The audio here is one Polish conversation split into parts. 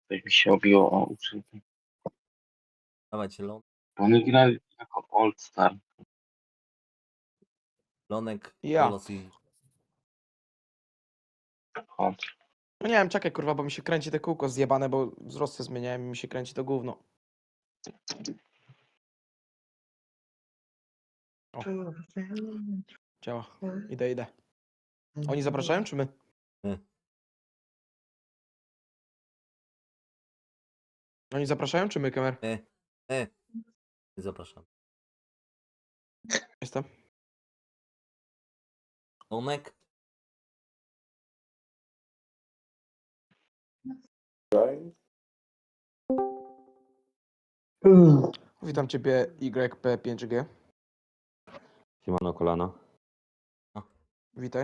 Coś mi się obiło o uszy. Dawajcie, Bo oni grali jako All Star. Lonek, Ja. Bolos i... Chodź. No nie wiem, czekaj kurwa, bo mi się kręci te kółko zjebane, bo wzrosty zmieniałem i mi się kręci to gówno. O. Działa. Idę. Oni zapraszają, czy my? My. Oni zapraszają, czy my, kamer? Zapraszam. Jestem. Lonek, Witam ciebie, YP5G. Siemano kolana. Witaj.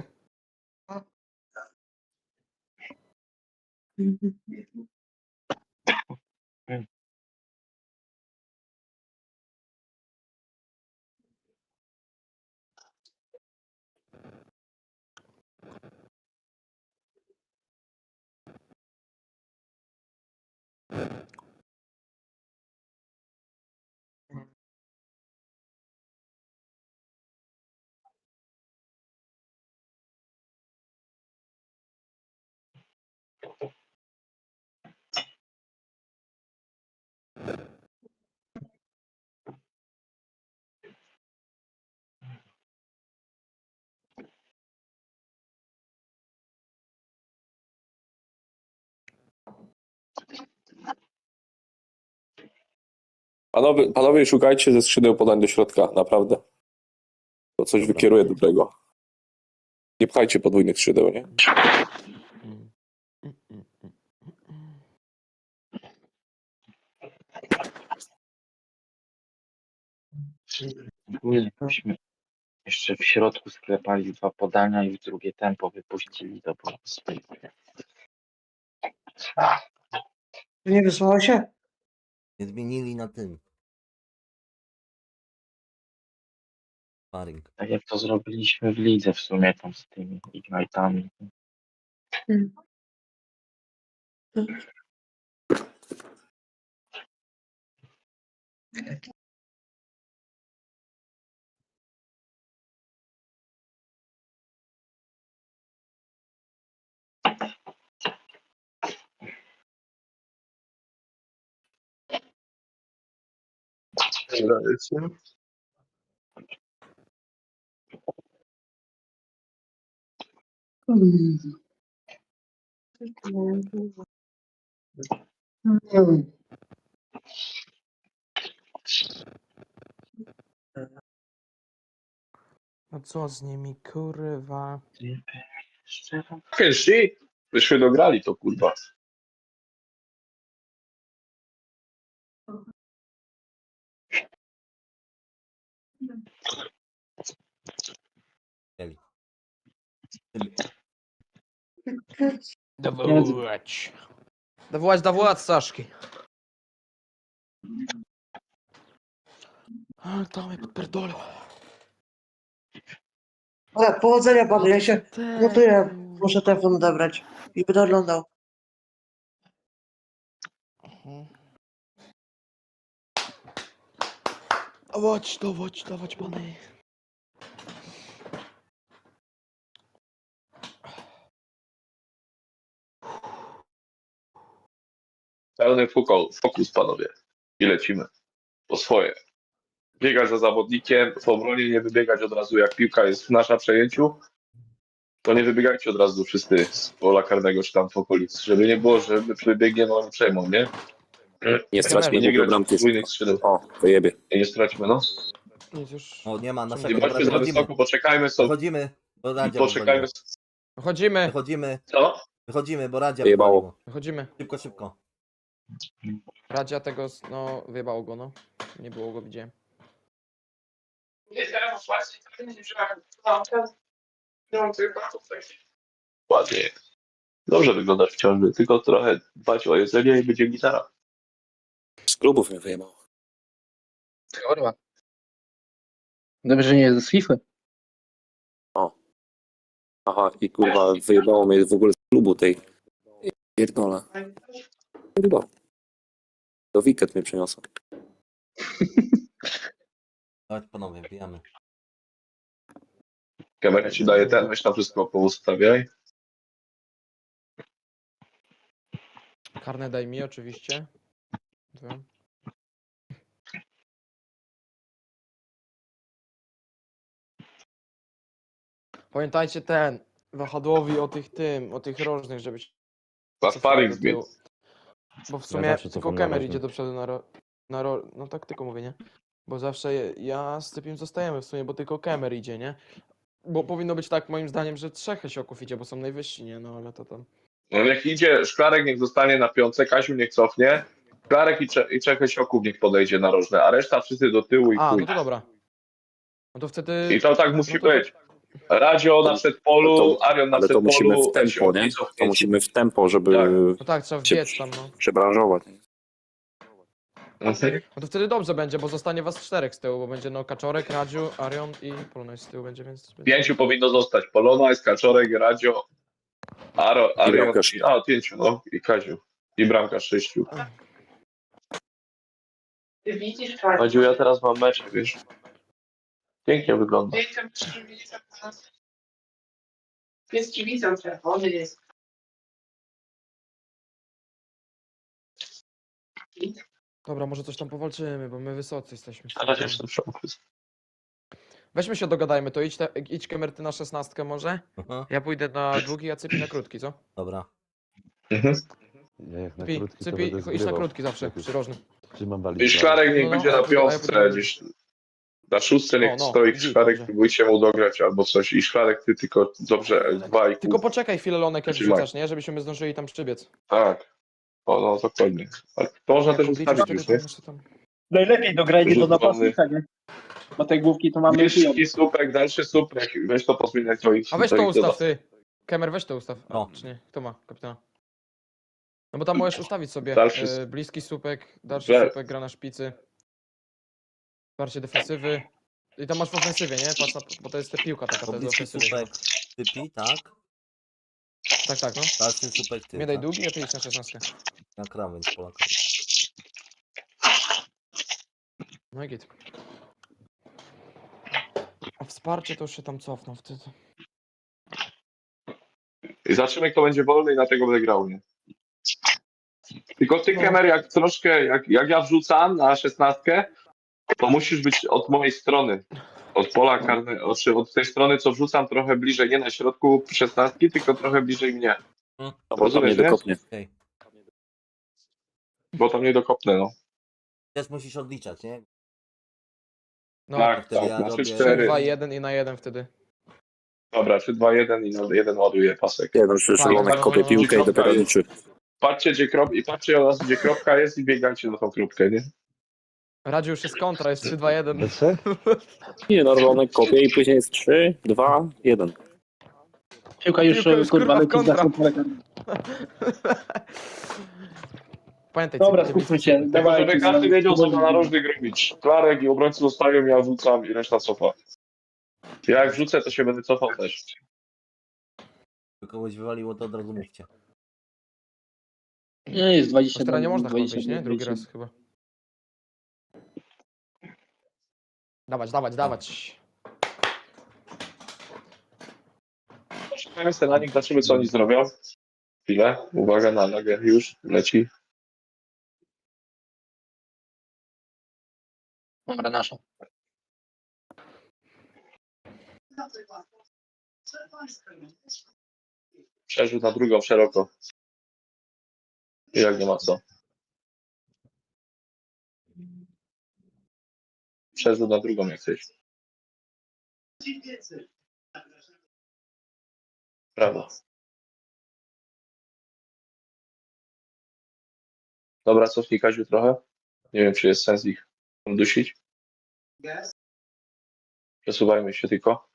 Panowie, szukajcie ze skrzydeł podań do środka, naprawdę. To coś Dobra. wykieruje dobrego. Nie pchajcie podwójnych skrzydeł, nie? Ogólnie byśmy jeszcze w środku sklepali 2 podania i w drugie tempo wypuścili to po prostu. Nie wysłało się? nie zmienili na tym. Sparring. Tak jak to zrobiliśmy w lidze w sumie tam z tymi Ignite'ami. No co z nimi, kurwa? Szczerze? Pierwszy? Wyśmy dograli to, kurwa. Mieli. Dawołać. Dawołać, Saszki. A, to mnie podpierdolą. Ale powodzenia panu, ja się gotuję. Muszę telefon odebrać i będę oglądał. Dawać, pany. Pełny fokus, panowie. I lecimy. Po swoje. Biegać za zawodnikiem, w obronie nie wybiegać od razu, jak piłka jest w nasza przejęciu, to nie wybiegajcie od razu wszyscy z pola karnego czy tam w okolicy, żeby nie było, że my przebiegniemy, oni przejmą, nie? Nie straćmy Nie jego grać bramki. podwójnych skrzydeł. O, wyjebie. Nie straćmy, no. Nic już. O, nie ma Nie naszego. Dobra, bądźmy za wychodzimy. wysoko, poczekajmy sobie. Wychodzimy, bo Radzia Poczekajmy. wywaliło. Wychodzimy. Wychodzimy, bo Radzia Wyjebało. wywaliło. Wychodzimy. Szybko. Radzia tego, no, wyjebało go, no. Nie było go, widziałem. Ładnie. Dobrze wyglądasz w ciąży, tylko trochę dbać o jedzenie i będzie gitara. Z klubów mnie wyjebało. Kurwa. Dobrze, że nie jest z FIFA. Aha, i kurwa wyjebało mnie w ogóle z klubu tej. Pierdolę. Chyba. Do weekend mnie przyniosą. Chodź panowie, wbijamy. Kamera ci daje ten, weź tam wszystko poustawiaj. Karne daj mi oczywiście. Dobra. Pamiętajcie wahadłowi o tych rożnych, żeby się Na cofnęli sparring do zbić. tyłu. Bo w Ja sumie zawsze tylko cofam na Kemer rożnych. idzie do przodu no tak tylko mówię, nie? Bo zawsze ja z Cypim zostajemy w sumie, bo tylko Kemer idzie, nie? Bo powinno być tak moim zdaniem, że 3 Hesioków idzie, bo są najwyżsi, nie? No ale to tam... No niech idzie, Szklarek niech zostanie na piątce, Kasiu niech cofnie. Szklarek i Czechy Sioków niech podejdzie na rożne, a reszta wszyscy do tyłu i A, chuj. no to dobra. No to wtedy... I to tak musi no to- być. Radzio na przedpolu, Arion na Ale to przedpolu. musimy w tempo, Sioki nie? To cofnięci. musimy w tempo, żeby Tak. No tak, trzeba się wbiec tam, no. przebranżować. Mhm. No to wtedy dobrze będzie, bo zostanie was 4 z tyłu, bo będzie no Kaczorek, Radziu, Arion i Polonez z tyłu będzie, więc... 5 powinno zostać. Polona, Kaczorek, Radzio, Arion, bramkarz. 5, no i Kaziu. I bramka 6. Ty widzisz, Kaziu, ja teraz mam mecz, wiesz. Pięknie wygląda. Pies ci widzą, czerwony jest. Dobra, może coś tam powalczymy, bo my wysocy jesteśmy. Ale jestem w szoku. Weźmy się dogadajmy, to idź Kemer ty na 16 może? Aha, Ja pójdę na długi, a Cypi na krótki, co? dobra. Mhm. Ja jak na Cypi, krótki to Cypi będę idź na zgrywał. krótki zawsze, Jak już przyrożny. trzymam walić. I Szklarek niech No, będzie a ja na pójdę- a ja piątce pójdę- gdzieś. Na szóstce niech No, stoi gdzieś Szklarek, dobrze. próbujcie mu dograć albo coś. I Szklarek ty tylko dobrze 2,5. Tylko poczekaj chwilę, Lonek, jak Trzymaj. rzucasz, nie? Żebyśmy zdążyli tam przybiec. Tak. O, no dokładnie. Ale to można Jak też obliczysz ustawić wtedy, już, to nie? muszę tam... Najlepiej dograjcie do Rzut napastnika, nie? Bo te główki to mamy Niżki słupek, dalszy słupek. Weź to pozmieniać twoich. A weź to twoich ustaw, dodaw. ty. Kemer, weź to ustaw. A, No. czy nie? Kto ma, kapitana? No bo tam możesz ustawić sobie Dalszy bliski słupek, dalszy Le- słupek, gra na szpicy. Wsparcie defensywy. I tam masz w ofensywie, nie? Patrz na, bo to jest ta piłka taka, to jest Bliski ofensywy. słupek typi, tak? Tak, no. Dalszy słupek ty, Mnie daj tak? długi, a ty idź na 16. Na krawędź Polaka. No i git. A wsparcie to już się tam cofną wtedy. I zobaczymy, kto będzie wolny i na tego będę grał, nie? Tylko ty, No. Kemer, jak troszkę, jak ja wrzucam na 16, to musisz być od mojej strony. Od pola karnego, od tej strony, co wrzucam trochę bliżej, nie na środku 16, tylko trochę bliżej mnie. No, bo tam Rozumiesz, nie nie? dokopnie. Okej. Bo tam nie dokopnę, no. Też musisz odliczać, nie? No, Tak, wtedy tak, ja na robię- 3-4. 2, 1 i na 1 wtedy. Dobra, 3-2-1 i na 1 ładuje pasek. Jeden szalonek kopie piłkę i dopiero liczy. Patrzcie, patrzcie od razu, gdzie kropka jest i biegajcie na tą kropkę, nie? Radziu już jest kontra, jest 3, 2, 1. We trzech? Nie, no szalonek kopie i później jest 3, 2, 1. Piłka już, Piłka już, kurwa, kurwa, w leci kontra. za kontra. Pamiętaj, Dobra, Cypi, skupmy się. Tylko Dawaj, żeby każdy wiedział, co ma narożnych robić. Klarek i obrońcy zostają, ja wrzucam i reszta cofa. Ja jak wrzucę, to się będę cofał też. By kogoś wywaliło, to od razu mówcie. Nie, jest 20. teraz nie można chyba wyjść, nie? Drugi raz chyba. Dawać. Czekamy sobie na nich, zobaczymy, co oni zrobią. Chwilę, uwaga na nogę, już leci. Dobra, nasza. Przerzut na drugą szeroko. I jak nie ma co. Przerzut na drugą jak chcesz. Brawo. Dobra, cofnij Kaziu trochę. Nie wiem, czy jest sens ich dusić. Przesuwajmy się tylko.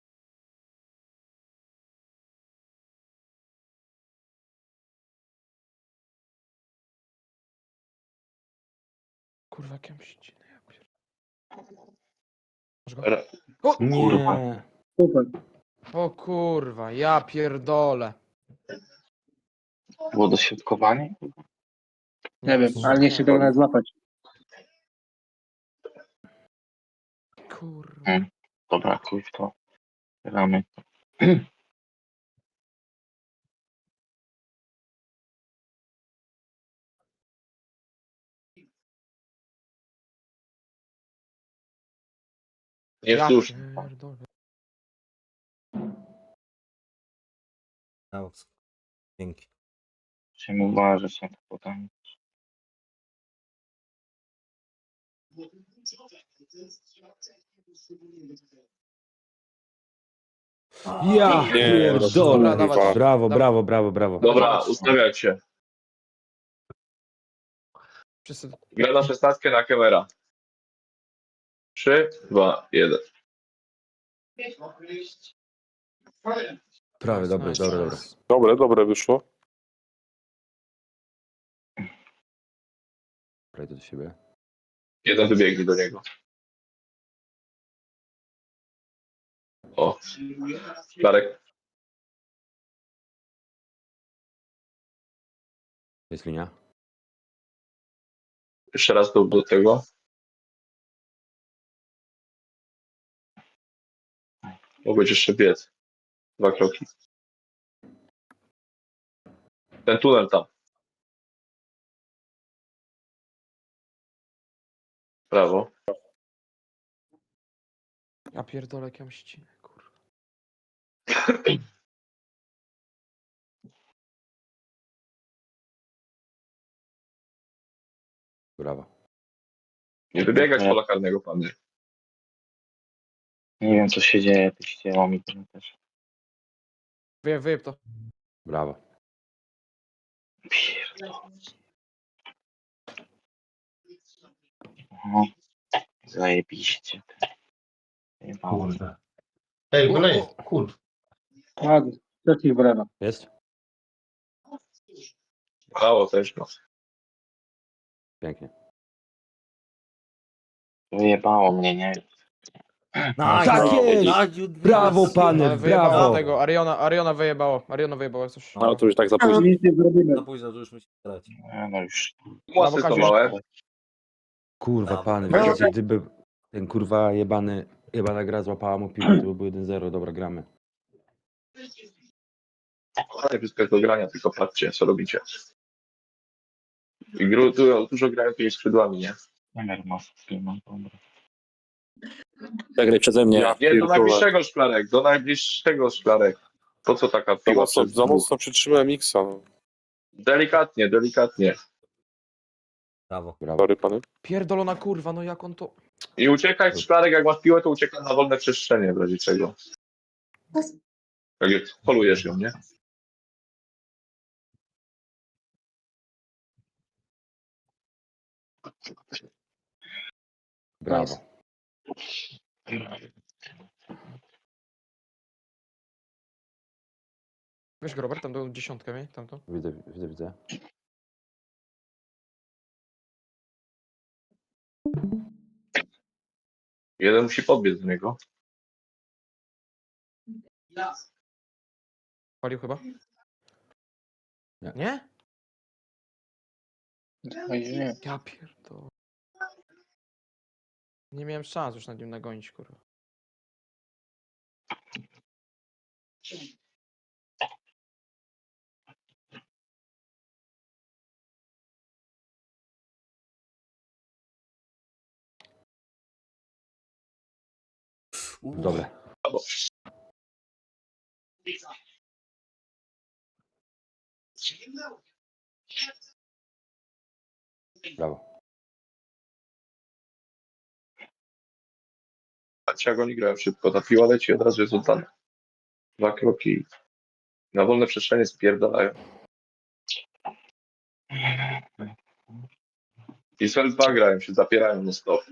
Kurwa, jakie mściny. Ra- O, Nie. Super. o kurwa, ja pierdolę. Było doświadkowanie? Nie wiem, ale nie się go nawet złapać. Kurwa. Dobra, chuj w to. Gramy. Nie Ja wzdłuż. pierdolę. Na boks. Dzięki. Musimy uważać na to podanie. Ja Nie, pierdolę. Dobra, dawać. Brawo, Dawaj. brawo, brawo, brawo. Dobra, ustawiać się. Wszyscy... Gra na 16 na Kemera. 3, 2, 1. Prawie, dobre, Nice, dobre, dobre. nice. Dobre wyszło. Prejdę do siebie. Jeden wybiegnie do niego. O, Klarek. Jest linia. Jeszcze raz do tego. Mogłeś jeszcze biec. 2 kroki. Ten tunel tam. Prawo. Ja pierdolę, jak ja mam ścinę, kurwa. Brawo. Nie wybiegać pola karnego, panie. Nie wiem co się dzieje, ty ścięło mi to też. Wyjeb to. Brawo. Pierdolę. No, zajebiście. Jebało. Kurde. Ej, golej, kurwa. Ładnie. Trzeci brawa. Jest? Brawo też, no. Pięknie. Wyjebało mnie, nie? Tak jest! Brawo, pany, Ale wyjebało brawo. tego, Ariona wyjebało. Ariona wyjebało jak coś. No to już tak za późno. Nic nie zrobimy. Za późno, to już musi grać. No już. Mocny to Kaziu. małe. Kurwa, pany, Brawo. wiecie, gdyby ten kurwa jebana gra złapała mu piłkę, to by było 1-0. Dobra, gramy. Ale wszystko jest do grania, tylko patrzcie, co robicie. I dużo grają tymi skrzydłami, nie? Numer mocny, no dobra. Zagraj przeze mnie. Nie, do najbliższego szklarek, do najbliższego szklarek. Po co taka piła? Za mocno przytrzymałem Xa. No. Delikatnie, delikatnie. Brawo. Brawo. Sorry, pany. Pierdolona kurwa, no jak on to... I uciekaj z szklarek, jak masz piłę, to uciekaj na wolne przestrzenie w razie czego. Tak jak polujesz ją, nie? Brawo. Weź go, Robert, tam do 10 miej, tamto. Widzę. Jeden musi podbiec do niego. Palił chyba? Nie. Nie? Oj, nie. Ja pierdolę. Nie miałem szans już nad nim nagonić, kurwa. Dobre. Brawo. Patrzcie, jak oni grają szybko. Ta piła leci, od razu jest oddana. 2 kroki. Na wolne przestrzenie spierdalają. I z 2 grają się, zapierają na stop.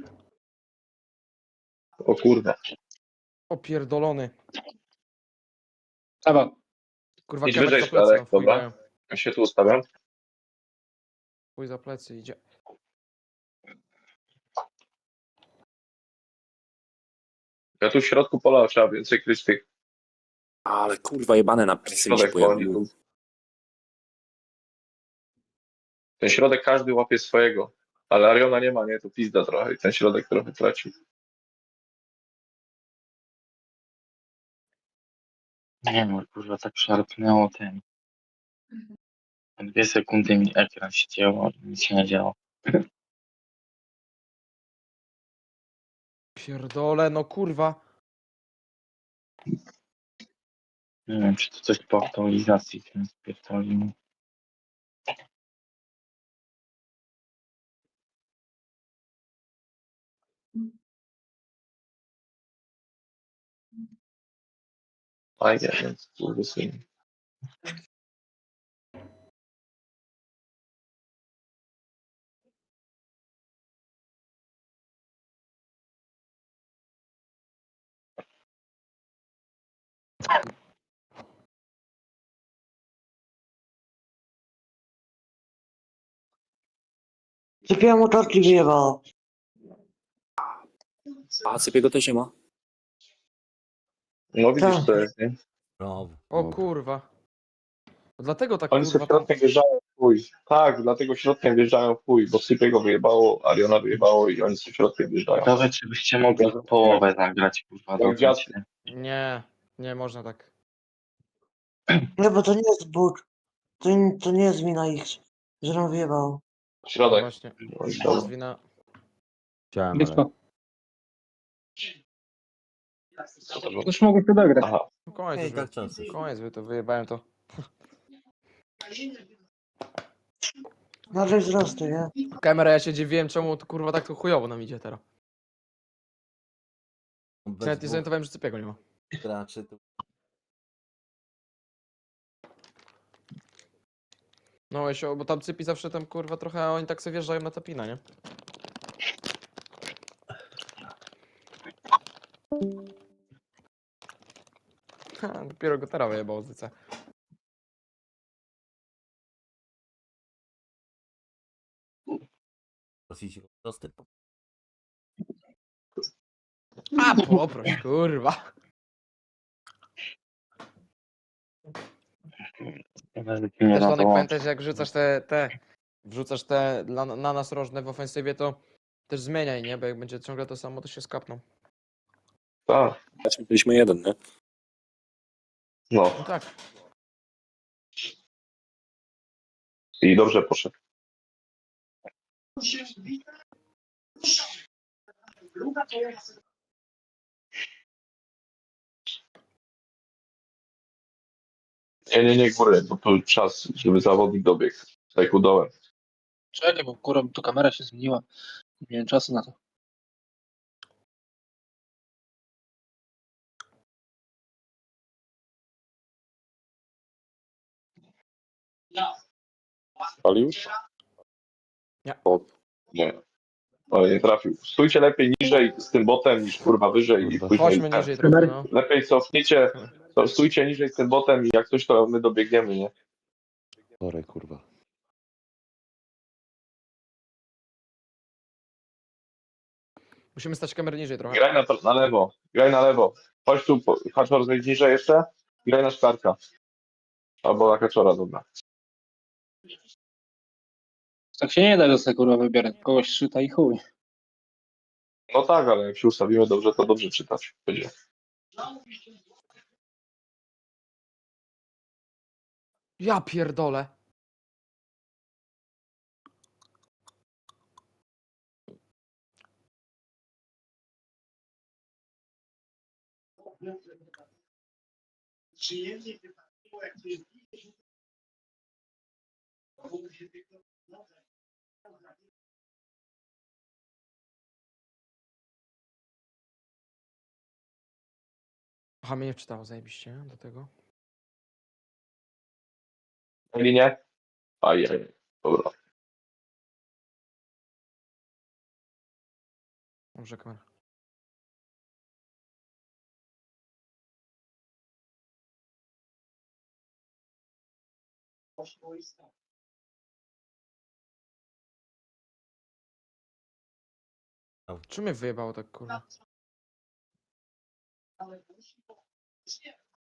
O kurwa. Opierdolony. Brawo. Kurwa, Idź Kemek wyżej, za plecy, Szklarek, no, w chuj dobra. grają. Ja się tu ustawiam. Chuj za plecy idzie. Ja tu w środku pola trzeba więcej kryć tych Ale kurwa jebane napisy mi się środek poli. pojawiły. Ten środek każdy łapie swojego, ale Ariona nie ma, nie? To pizda trochę i ten środek trochę traci. Nie wiem, kurwa, tak szarpnęło ten. 2 sekundy mi ekran się działo, nic się nie działo. Pierdolę, no kurwa. Nie wiem, czy to coś po aktualizacji ten spierdolił. Fajnie, więc kurwa. Sypiałem motorki i wyjebało. A Cypiego też nie ma. No widzisz, Tak. to jest, nie? Brawo. O Dobra. kurwa. Dlatego tak Oni sobie kurwa tam... środkiem wjeżdżają w chuj. Tak, dlatego środkiem wjeżdżają w chuj, bo Sypiego wyjebało, Ariona wyjebało i oni sobie środkiem wjeżdżają. Ciekawe, czy byście mogli połowę zagrać, kurwa, Jak do dziad- Nie, nie można tak. Nie, bo to nie jest but. To nie jest wina ich, że nam wyjebało. No Środek. właśnie. Oj, To dobra. jest wina... Chciałem, ale... Bitwa. Co to było? Już mogę to dograć. Aha. No koniec Ej, już. tak czasy. Koniec, wy to wyjebałem to. Nagle wzrosty, nie? Kamera, ja się dziwiłem, czemu to kurwa tak to chujowo nam idzie teraz. Bez Nawet nie dwóch zorientowałem, że Cypiego nie ma. graczy to No Esio, bo tam Cypi zawsze tam kurwa trochę, oni tak sobie wjeżdżają na tapina, nie? Ha, dopiero go teraz wyjebało z DC. prosić o dostęp. A poproś, kurwa. Nawet nie Też da Tonek, dołączyć. pamiętaj, że jak wrzucasz te na nas rożne w ofensywie, to też zmieniaj, nie? Bo jak będzie ciągle to samo, to się skapną. Tak. Byliśmy jeden, nie? No. No tak. I dobrze poszedł. Nie, góry, bo tu czas, żeby zawodnik dobiegł. Tak udołem. Czekaj, bo kurwa, tu kamera się zmieniła. Nie miałem czasu na to. Palił? Nie. Ale nie trafił. Stójcie lepiej niżej z tym botem niż kurwa wyżej i Kurwa. później. Chodźmy niżej trochę, no. Lepiej cofnijcie, stójcie niżej z tym botem i jak coś to my dobiegniemy, nie? Sorry, kurwa. Musimy stać kamerę niżej trochę. Graj na lewo, graj na lewo. Chodź tu, Haczor, zejdź niżej jeszcze. Graj na szklarka. Albo na Haczora, dobra. Tak się nie da, że sobie kurwa wybierać. Kogoś szyta i chuj. No tak, ale jak się ustawimy dobrze, to dobrze czytać będzie. Ja pierdolę. Aha, mnie nie wczytało zajebiście do tego. Na linię? Ajaj, dobra. Dobrze, kamera. Czy mnie wyjebało tak kurwa?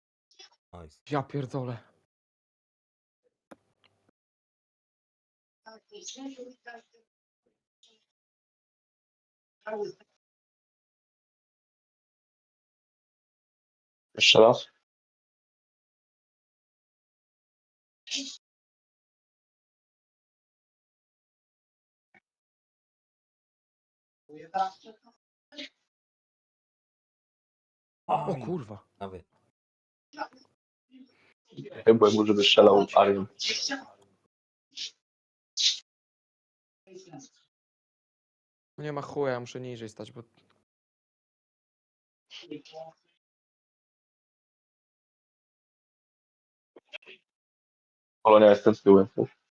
Nice. Ja pierdolę. Jeszcze raz. O kurwa. Prawie. Chyba może by strzelał Arian. No nie ma chuja, ja muszę niżej stać, bo... Polonia jestem z tyłem.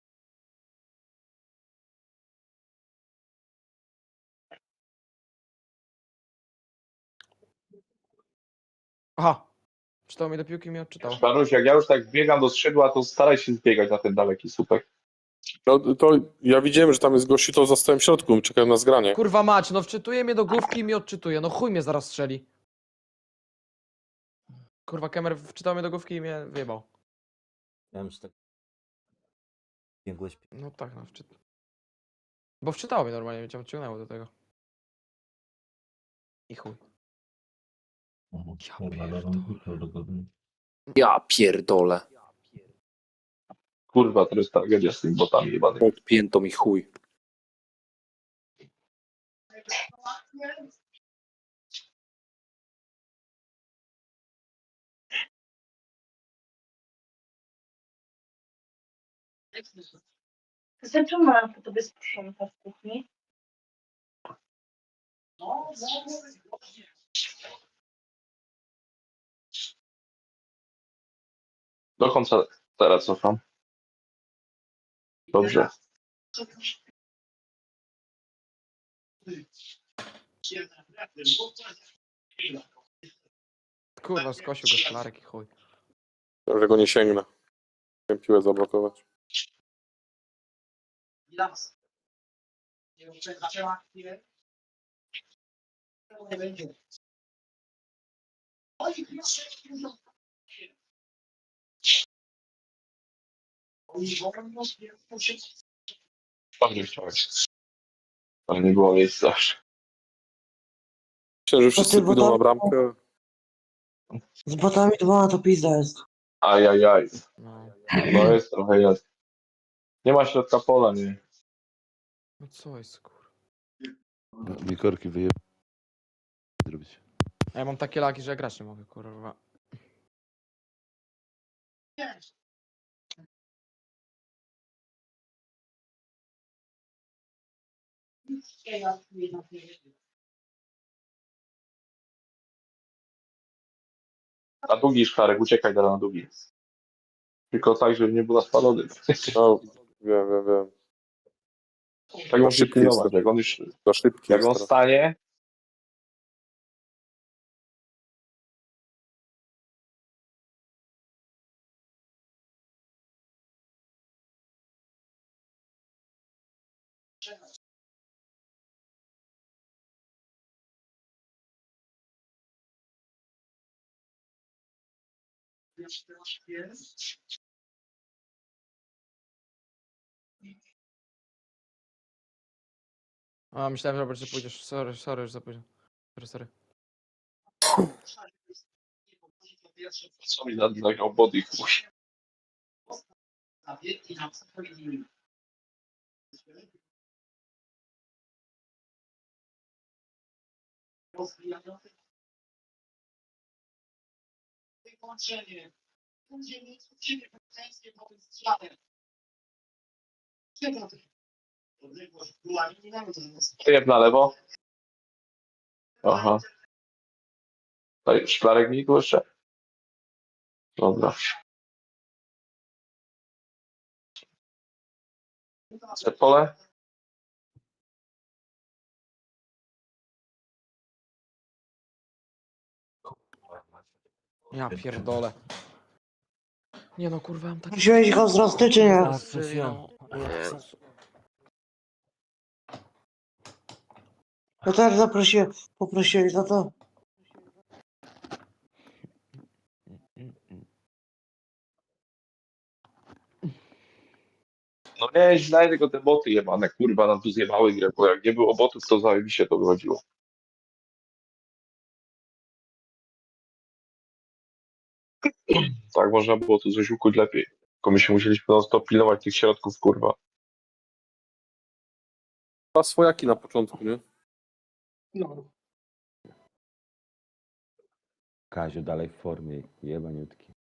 Aha! Czytał mi do piłki i mnie odczytał. Panuś, jak ja już tak biegam do skrzydła, to staraj się zbiegać na ten daleki słupek. No to ja widziałem, że tam jest gościu, to zostałem w środku, czekałem na zgranie. Kurwa mać, no wczytuje mnie do główki i mnie odczytuje. No chuj mnie zaraz strzeli. Kurwa, Kemer wczytał mnie do główki i mnie wyjebał. Ja już tak... Biegłeś. No tak, no wczytał. Bo wczytało mnie normalnie, cię odciągnęło do tego. I chuj. Ja pierdolę. Kurwa, to jest tragedia z tymi botami jebanymi. Odpięto mi chuj. Czemu mam po tobie sprząta w kuchni? Do końca teraz cofam. Dobrze. Kurwa, skosił go szklarek i chuj. Że go nie sięgnę. Chciałem piłę zablokować. Dobrze chciałeś. Ale nie było miejsca. Myślę, że wszyscy ty, bo pójdą tam- na bramkę. Z botami dwoma to pizda jest. Ajajaj. No. No jest trochę jest. Nie ma środka pola, nie. No co jest, kurwa. Mi korki wyjeb... zrobić. A ja mam takie laki, że ja grać nie mogę, kurwa. Na długi szklarek, uciekaj teraz na długi. Tylko tak, żeby nie było spalony. No, wiem. Tak musi szybki pilnować. jest. Jak on już, Za szybki jak jest on teraz. stanie, A, myślałem, Robert, że pójdziesz. Sorry, już za późno. Sorry. co mi nagrał body chuj. Tyjeb na lewo. Aha. Tutaj szklarek mi tu jeszcze. Dobra. Przed pole. Ja pierdolę. Nie no, kurwa, mam takie... Prosiłeś go wzrosty, czy nie? Tak, prosiłem. No tak zaprosiłem, poprosiłeś za to. No nie, źle, tylko te boty jebane, kurwa, nam tu zjebały grę, bo jak nie było botów, to zajebiście to wychodziło. Tak można było tu coś ukuć lepiej. Tylko my się musieliśmy non stop pilnować tych środków, kurwa. Dwa swojaki na początku, nie? No. Kaziu dalej w formie, jebaniutki.